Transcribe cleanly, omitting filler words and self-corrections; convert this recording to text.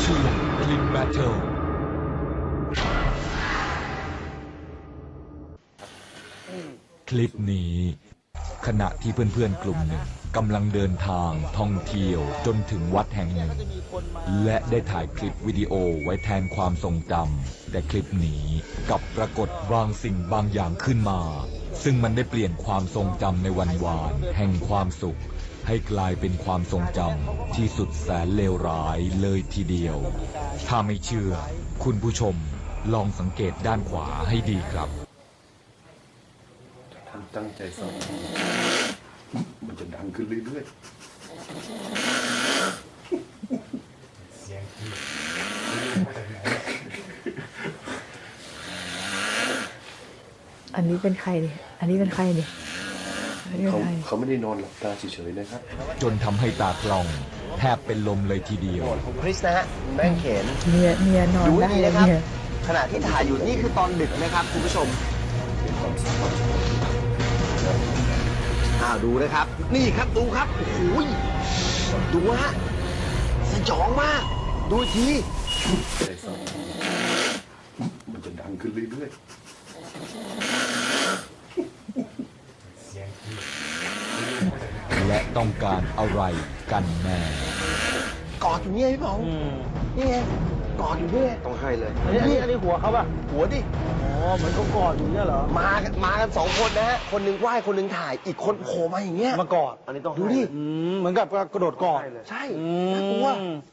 ช่วงคลิปแบทเทิลคลิปนี้ขณะที่เพื่อนๆกลุ่มหนึ่งกำลังเดินทางท่องเที่ยวจนถึงวัดแห่งหนึ่งและได้ถ่ายคลิปวิดีโอไว้แทนความทรงจำแต่คลิปนี้กลับปรากฏบางสิ่งบางอย่างขึ้นมาซึ่งมันได้เปลี่ยนความทรงจำในวันวานแห่งความสุขให้กลายเป็นความทรงจำที่สุดแสนเลวร้ายเลยทีเดียวถ้าไม่เชื่อคุณผู้ชมลองสังเกตด้านขวาให้ดีครับท่านตั้งใจฟังมันจะดังขึ้นเรื่อยๆเสียงที่อันนี้เป็นใครดิอันนี้เป็นใครดิเขาไม่ได้นอนหลับตาเฉยๆนะครับจนทำให้ตากล้องแทบเป็นลมเลยทีเดียวของคริสนะฮะแม่งเขนเมียนอนได้เลยนะครับเนี่ยขณะที่ถ่ายอยู่นี่คือตอนดึกนะครับคุณผู้ชมดูนะครับนี่ครับดูครับโอ้โหดูฮะสยองมากดูทีใจฟังมันจะดังขึ้นเรื่อยๆเสียงที่และต้องการอะไรกันแน่กอดอยู่นี่พี่เผานี่ไงกอดอยู่นี่ต้องให้เลยอันนี้หัวเขาป่ะหัวดิเหมือนเขากอดอยู่เนี่ยเหรอมากัน2 คนนะฮะคนหนึ่งไหว้คนหนึ่งถ่ายอีกคนโผล่มาอย่างเงี้ยมากอดอันนี้ต้องดูดิเหมือนกับกระโดดกอดใช่น่ากลัว